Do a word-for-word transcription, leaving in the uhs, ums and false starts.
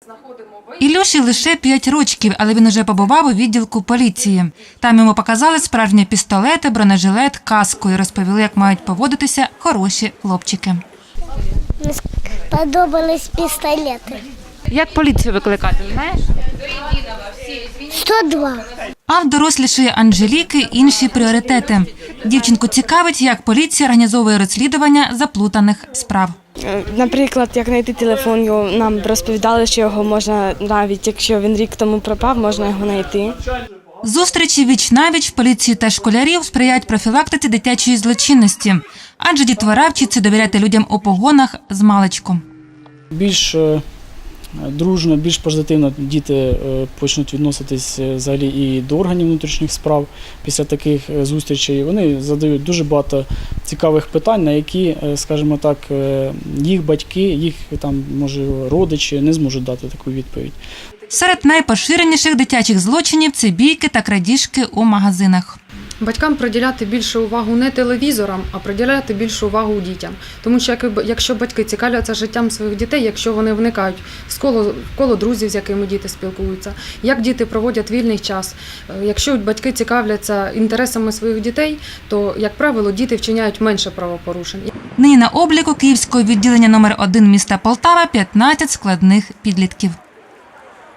Ілюші лише п'ять років, але він уже побував у відділку поліції. Там йому показали справжні пістолети, бронежилет, каску і розповіли, як мають поводитися хороші хлопчики. Мені сподобались пістолети. Як поліцію викликати, знаєш? сто два. А в дорослішої Анжеліки інші пріоритети. Дівчинку цікавить, як поліція організовує розслідування заплутаних справ. Наприклад, як знайти телефон, його нам розповідали, що його можна, навіть якщо він рік тому пропав, можна його знайти. Зустрічі віч-навіч в поліції та школярів сприяють профілактиці дитячої злочинності, адже дітвора вчиться довіряти людям у погонах змалечку. Більш дружно, більш позитивно діти почнуть відноситись взагалі і до органів внутрішніх справ після таких зустрічей. Вони задають дуже багато цікавих питань, на які, скажімо так, їх батьки, їх там, може, родичі не зможуть дати таку відповідь. Серед найпоширеніших дитячих злочинів – це бійки та крадіжки у магазинах. Батькам приділяти більше увагу не телевізорам, а приділяти більше увагу дітям. Тому що якщо батьки цікавляться життям своїх дітей, якщо вони вникають в коло, в коло друзів, з якими діти спілкуються, як діти проводять вільний час, якщо батьки цікавляться інтересами своїх дітей, то, як правило, діти вчиняють менше правопорушень. Нині на обліку Київського відділення номер один міста Полтава п'ятнадцять складних підлітків.